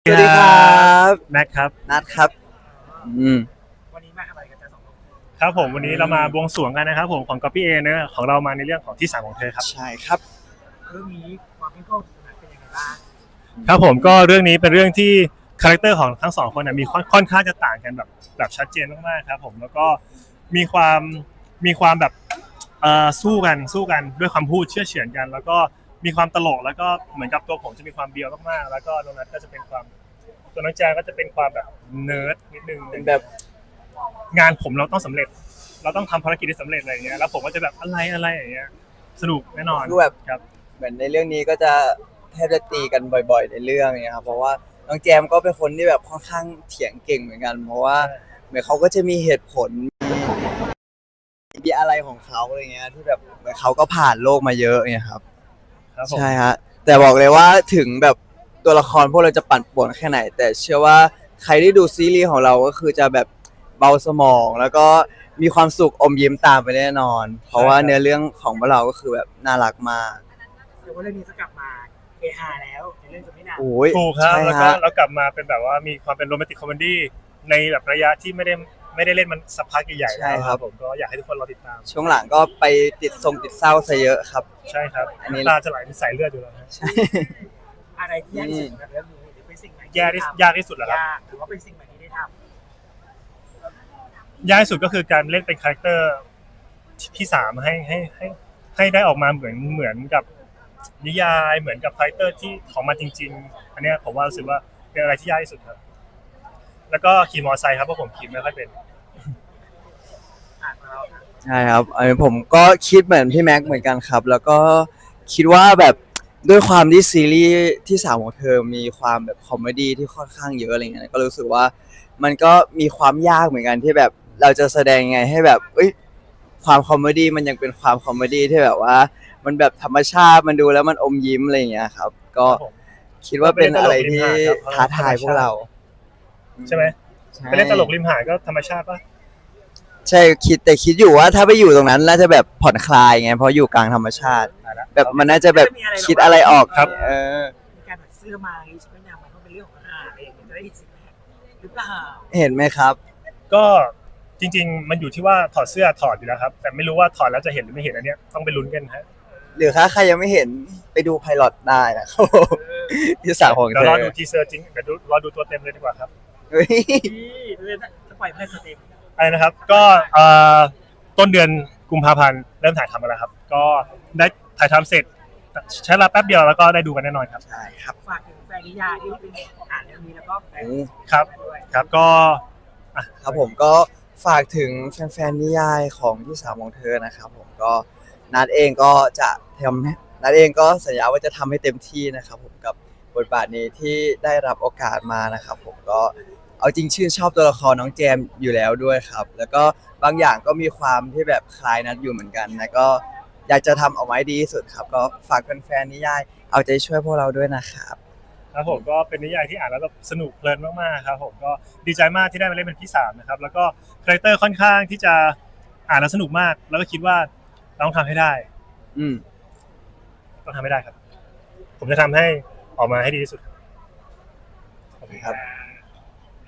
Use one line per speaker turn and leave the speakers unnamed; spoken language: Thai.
สวัสดีครับ
แม็กครับ
นัดครับ
วันนี้มาทำอะไรกันจ๊ะสองคน
ครับผมวันนี้เรามาบวงสรวงกันนะครับผมของ Copy A เนอะของเรามาในเรื่องของที่สามของเธอครับ
ใช่ครับ
เรื่องนี้ความเข้มข้นสนานเป็นยังไงบ้าง
ครับผมก็เรื่องนี้เป็นเรื่องที่คาแรคเตอร์ของทั้งสองคนนะมีค่อนข้างจะต่างกันแบบชัดเจนมากๆครับผมแล้วก็มีความมีความแบบสู้กันด้วยความพูดเชื่อเฉือนกันแล้วก็มีความตลกแล้วก็เหมือนกับตัวผมจะมีความเบียวมากๆแล้วก็ตรงนั้นก็จะเป็นความตัวน้องแจงก็จะเป็นความแบบเนิร์ดนิดนึง
เป็นแบบ
งานผมเราต้องสำเร็จเราต้องทำภารกิจให้สำเร็จอะไรอย่างเงี้ยแล้วผมก็จะแบบอะไรอย่างเงี้ยสนุกแน่นอน
คือแบบ
ครับ
เหมือนในเรื่องนี้ก็จะแทบจะตีกันบ่อยๆในเรื่องเนี่ยครับเพราะว่าน้องแจมก็เป็นคนที่แบบค่อนข้างเถียงเก่งเหมือนกันเพราะว่าเหมือนเขาก็จะมีเหตุผลมีอะไรของเขาอะไรเงี้ยที่แบบเหมือนเขาก็ผ่านโลกมาเยอะเนี่ยครับ
ครับผม
ใช่ฮะแต่บอกเลยว่าถึงแบบตัวละครพวกเราจะปั่นป่วนแค่ไหนแต่เชื่อว่าใครที่ดูซีรีส์ของเราก็คือจะแบบเบาสมองแล้วก็มีความสุขอมยิ้มตามไปแน่นอนเพราะว่าเนื้อเรื่องของพวกเราก็คือแบบน่ารักมาก
แต่ว่าเรื่องนี้จะกลับมาเฮฮาแล้วในเรื่องจะไม่นาน
โอ้ย
ถูกครับ
ใช่
แล้วก็
ฮะ
เรากลับมาเป็นแบบว่ามีความเป็นโรแมนติกคอมเมดี้ในแบบระยะที่ไม่ได้เล่นมันสักพักใหญ่ๆแล้วครับผมก็อยากให้ทุกคนรอติดตาม
ช่วงหลังก็ไปติดเศร้าซะเยอะครับ
ใช่ครับ
อันนี้
น้ำตาจะไหลเป็นสายเลือดอยู่แล้วฮะ
ใช่
อะไรที่ยากที่สุดกับเรื่องนี้หรือเป็นสิ่งไหน
ยากที่สุดเหรอครับ
ยากหรือว่าเป็นสิ่งไหนที่ได้ท
ยากที่สุดก็คือการเล่นเป็นคาแรคเตอร์ที่สามให้ได้ออกมาเหมือนกับนิยายเหมือนกับคาแรคเตอร์ที่ของมันจริงๆอันเนี้ยผมว่ารู้สึกว่าเป็นอะไรที่ยากที่สุดครับแล้วก็ขี่มอเตอร์ไซค์ครับเพราะผมขี่ไม่ค่อยเป็น
ของเราค่ะ
ใช่ครับอันนี้ผมก็คิดเหมือนพี่แม็กซ์เหมือนกันครับแล้วก็คิดว่าแบบด้วยความที่ซีรีส์ที่สามของเธอมีความแบบคอมเมดี้ที่ค่อนข้างเยอะอะไรเงี้ยก็รู้สึกว่ามันก็มีความยากเหมือนกันที่แบบเราจะแสดงยังไงให้แบบความคอมเมดี้มันยังเป็นความคอมเมดี้ที่แบบว่ามันแบบธรรมชาติมันดูแล้วมันอมยิ้มอะไรอย่างเงี้ยครับก็
ครับผม
คิดว่าเป็นอะไรที่ท้าทายพวกเรา
ใช่ไหมไปเล่นตลกริมหาดก็ธรรมชาติปะ
ใช่คิดอยู่ว่าถ้าไปอยู่ตรงนั้นน่าจะแบบผ่อนคลายไงเพราะอยู่กลางธรรมชาติแบบมันน่าจะแบบคิดอะไรออก
ครับ
เออ
มีการแบบเสื้อมาหรือชุดว่ายน้ำมันก็เป็นเรื่องของอาหารอะไรอย่างเงี้ยจะได้เห็นสิ่งนี้หรือเปล่า
เห็นไหมครับ
ก็จริงๆมันอยู่ที่ว่าถอดเสื้อถอดอยู่แล้วครับแต่ไม่รู้ว่าถอดแล้วจะเห็นหรือไม่เห็นอันเนี้ยต้องไปลุ้นกันฮะ
หรือถ้าใครยังไม่เห็นไปดูไพลอตได้นะครับผม ที่สามของ
เดี๋ยว
เธอ
รอดูทีเซอร์จริงเดี๋ยวรอดูตัวเต็มเลยดีกว่าครับ
เฮ้ย
ที่เรื่องจะปล่อยเพื่อนสเต็ม
อะไรนะครับก็ต้นเดือนกุมภาพันธ์เริ่มถ่ายทำกันแล้วครับก็ได้ถ่ายทำเสร็จใช้เวลาแป๊บเดียวแล้วก็ได้ดูกันแน่นอนครับ
ใช่ครับ
ฝากถึงแฟนนิยายที่เป็นอ่านเรื่องนี้แล้วก็แฟน
ครับ
ด้วย
ครับก็
ครับผมก็ฝากถึงแฟนๆนิยายของที่สามของเธอนะครับผมก็นัดเองก็จะทำนัดเองก็สัญญาว่าจะทำให้เต็มที่นะครับผมกับบทบาทนี้ที่ได้รับโอกาสมานะครับผมก็เอาจริงชื่นชอบตัวละครน้องแจมอยู่แล้วด้วยครับแล้วก็บางอย่างก็มีความที่แบบคล้ายนัดอยู่เหมือนกันแล้วก็อยากจะทำออกมาให้ดีที่สุดครับก็ฝากแฟนๆนิยายเอาใจช่วยพวกเราด้วยนะครับ
ครับผมก็เป็นนิยายที่อ่านแล้วแบบสนุกเพลินมากๆครับผมก็ดีใจมากที่ได้มาเล่นเป็นพี่สามนะครับแล้วก็คาแรคเตอร์ค่อนข้างที่จะอ่านแล้วสนุกมากแล้วก็คิดว่าเราต้องทำให้ได้
อืม
ต้องทำให้ได้ครับผมจะทำให้ออกมาให้ดีที่สุด
ครับ